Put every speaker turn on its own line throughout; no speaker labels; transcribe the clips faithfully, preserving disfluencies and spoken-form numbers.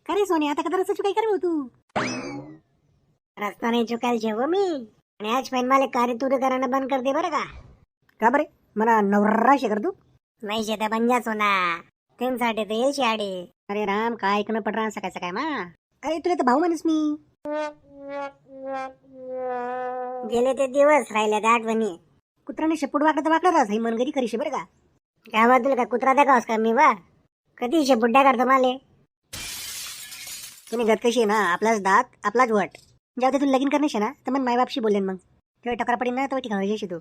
का रे सोने, आता कदा रस्ता चुकाई कर तू?
रस्ता नाही चुकायला शेव मी. आणि आज पण मला कार्य तुरे करायला बंद कर दे बरं का.
का बरे मला नवरा शे कर तू?
नाही शेता बंजा सोना त्यांसाठी तर येईल शाडे.
अरे राम, काय ऐकणं पड रहा सकाळ सकाळ मा. अरे तुला तर भाऊ म्हणस मी.
गेले ते दिवस राहिले त्या आठवणी.
कुत्राने शेपूट वाकडं तर वाकडं राहस, ही मनगरी खरी शे बरं का.
गावात तुला का कुत्रा दाखवस का मी बा. कधी शेपुड्या करतो माले.
तुम्ही गत कशी आहे ना, आपलाच दात आपलाच वट. जेव्हा ते तुला लगीन करणे शे ना, तर मग मायबापशी बोलेन. मग तेव्हा टकरा पडेल ना, तेव्हा ठिकाण तू.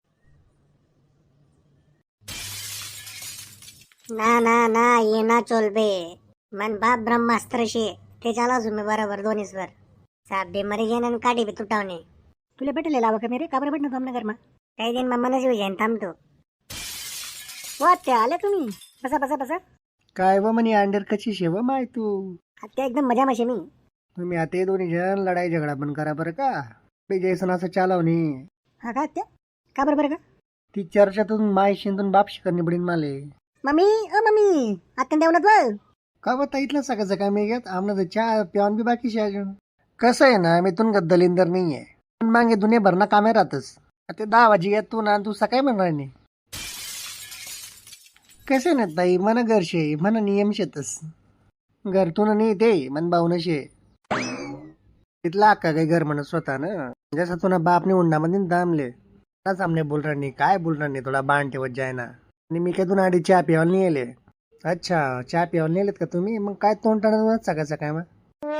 ना ना ना ये ना चोलबे. मन बाप ब्रह्मास्त्र शे ते चाला तुम्ही बरोबर दोन्ही स्वर. साप बे मरे गेन आणि काठी बी तुटावणे.
तुला भेटले लावा का मेरे, का बरं भेटणं थांबणं घरमा.
काही दिन मम्मा नशी जाईन थांबतो.
वा त्या आल्या तुम्ही. बसा बसा बसा.
काय व म्हणे अंडर कशी शेव माय तू.
त्या एकदम मजा माशे मी.
तुम्ही आता हे दोन्ही जण लढाई झगडा पण करा बरं का. बे जैसन असं चालवणे.
हा का त्या, का बरं बरं का.
ती चर्चातून माय शिंदून बाप शिकरणी पडीन माले.
मम्मी अ मम्मी आत्या देवनात व.
का बता इथलं सकाळचं काय मी घेत आमनं तर चहा प्यावन बी बाकी शे अजून. कसं आहे ना, मी तुन दलिंदर नाही आहे. पण मागे दुनिया भरणा कामे राहतच. ते दहा वाजी येत तू ना, तू सकाळी म्हणणार नाही. कसे ना ताई, मन घर शे मन नियम शेतस. घरतून नाही ते मन भाऊन शे. तिथला अक्का काही घर म्हणत स्वतः ना. जसं तुला बापने उंडामध्ये दामले ना सामने बोल रहा नाही, काय बोल रहा नाही, थोडा बाण ठेवत जाय ना. आणि मी काय तुला आधी चहा प्यावला नाही येले. अच्छा चहा प्यावला नाही का तुम्ही. मग काय तोंड टाळत सकाळ सकाळ मग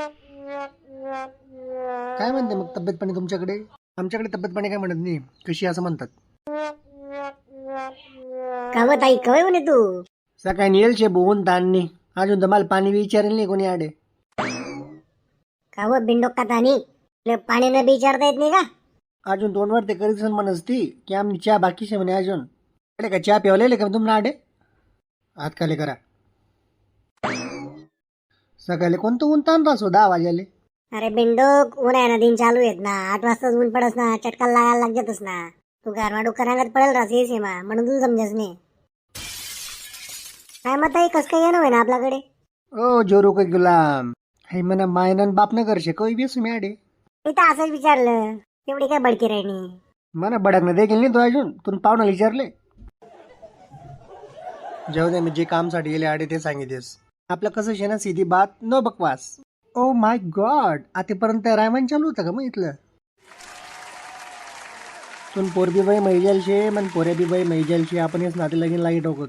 काय म्हणते मग तब्येत पाणी तुमच्याकडे. आमच्याकडे तब्येत पाणी काय म्हणत नाही, कशी असं म्हणतात.
काव ताई कवय म्हणे तू.
सकाळी येईल शे बोहून ताणणी. अजून तर मला पाणी विचारेल नाही कोणी आडे.
काव बिंडोक का तानी पाणी न विचारता येत नाही का.
अजून दोनवर ते करीत म्हणस ती की आम्ही चहा बाकी शे म्हणे अजून. अरे का चहा प्यावलेले का तुम्हाला आडे. हात खाली करा. सकाळी कोणतं ऊन ताण राहसो दहा वाजाले.
अरे बिंडोक ऊन आहे ना, दिन चालू आहेत ना. आठ वाजताच ऊन पडस ना, चटका लागायला लागतच ना. तू घरमा डुकरांगत पडेल राहस येस मा, म्हणून तू समजस नाही. काय मत आहे कस काय येणं ना आपल्याकडे.
ओ जोरू का गुलाम. हे म्हणा मायनन बाप न करशे काही बेसू मी आडे.
मी तर असंच विचारलं, एवढी काय बडकी राहिणी.
मला बडकणं देखील नाही तो अजून. तुला पाहुणा विचारले. जाऊ दे, मी जे कामसाठी गेले आडे ते सांगितलेस. आपलं कसं शे ना, सीधी बात नो बकवास. ओ माय गॉड, आतापर्यंत रायमान चालू होतं का मग इथलं. तुम पोरबी बाई मैजल शे मन पोऱ्या बी बाई मैजल शे. आपण हेच नाते लगीन लागी टोकत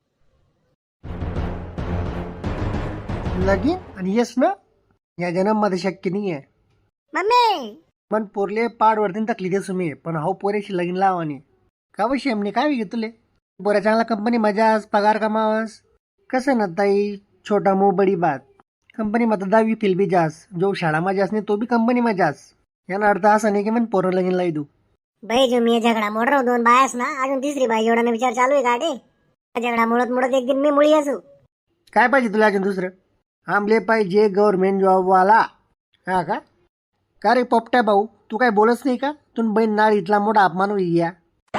लगीन. आणि येस ना, या जन्म मध्ये शक्य नाही आहे.
मम्मी
मन पोरले पाडवरतीन तकली देस मी. पण हाऊ पोऱ्याशी लगीन लावानी का वशी एमने काय घेतले. पोऱ्या चांगला कंपनी मजास पगार कमावस. कसं ना ताई, छोटा मुंह बडी बात. कंपनी मध्ये दहावी फिल बी जास. जो शाळा मजास नाही तो बी कंपनी मजास. याला अर्थ असा नाही की मन पोरं लगीन लाई दू.
भाई जो मी झगडा मोड रहा दोन बायास ना, अजून तिसरी बाई एवढा विचार चालू आहे का रे. झगडा मोडत मोडत एक दिन मी मुळी असू.
काय पाहिजे तुला अजून दुसरं. आमले पाहिजे गव्हर्नमेंट जॉब वाला. हा का का रे पोपट्या भाऊ, तू काय बोलत नाही का. तुम बहीण नाळ इथला मोठा अपमान होई या.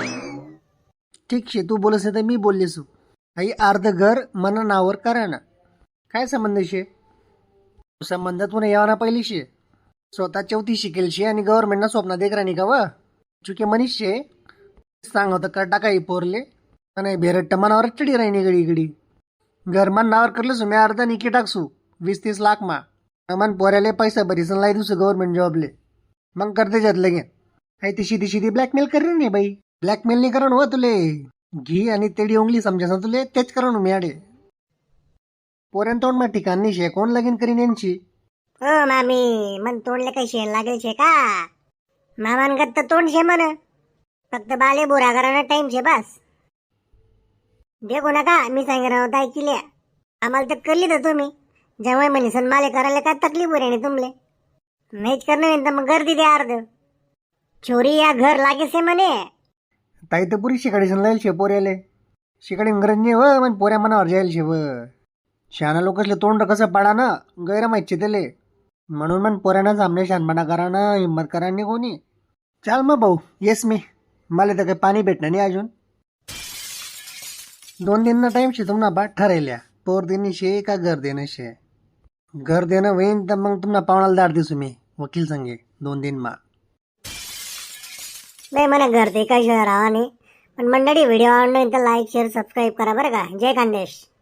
ठीक शे, तू बोलस नाही तर मी बोललेसू. आई अर्ध घर मन नावर करा ना. काय संबंध शे. संबंध तुला यावना पहिली शे. स्वतः चौथी शिकेल शे आणि गव्हर्नमेंटना स्वप्न देख राणी का व. चुके मनीष शे सांगत कर टाकाई पोरले. नाही भेरट्ट मनावर चढी राहिनी गडी गडी. घर मन नावर करलं सु मी अर्धा निकी टाकसू वीस तीस लाख मा. मन पोऱ्याले पैसा भरीसन लाई दुसरं गव्हर्नमेंट जॉबले. मग करते जात लगे. आई ती शिदी शिदी ब्लॅकमेल करेन नाही बाई. ब्लॅकमेल नाही करण हो तुले. घी आणि तेडी उंगली समजा तुले तेच करण मी आडे. पोऱ्यान तोंड मा ठिकाण नाही शे, कोण लगीन करीन यांची.
हो मामी, मन तोंडले काही शेण लागेल शे का. मामानगत तर तोंड शे म्हण, फक्त बाले बुरा करायला टाइम शे बस. देखो नका मी सांग रहा होता ऐकिल्या. आम्हाला तर करली तर तुम्ही जेव्हा म्हणे सन माले करायला काय तकलीफ हो रे तुमले. नाहीच करणं तर मग गर्दी द्या अर्ध. चोरी या घर लागे से म्हणे.
ताई तर पुरी शिकाडीसन लाईल शे पोऱ्याले. शिकाडी गरज नाही व मन पोऱ्या मनावर जाईल शे व. शहाणा लोकसले तोंड कसं पाडा ना गैर माहिती त्याले. म्हणून मन पोऱ्यानं सामने शानपणा करा ना, हिंमत करा नाही कोणी. चाल मग भाऊ येस मी. मला तर काही पाणी भेटणार नाही अजून. दोन दिन ना टाइम शे तुम्हाला बाट ठरायल्या. पोर देणे शे का घर देणं शे. घर देणं होईन तर मग तुम्हाला पाहुणाला दाट दिसू मी वकील संगे दोन दिन मा.
नाही मला घर ते काही राहा नाही. पण मंडळी व्हिडिओ आवडला तर लाईक शेअर सबस्क्राईब करा बरं का. जय खानदेश.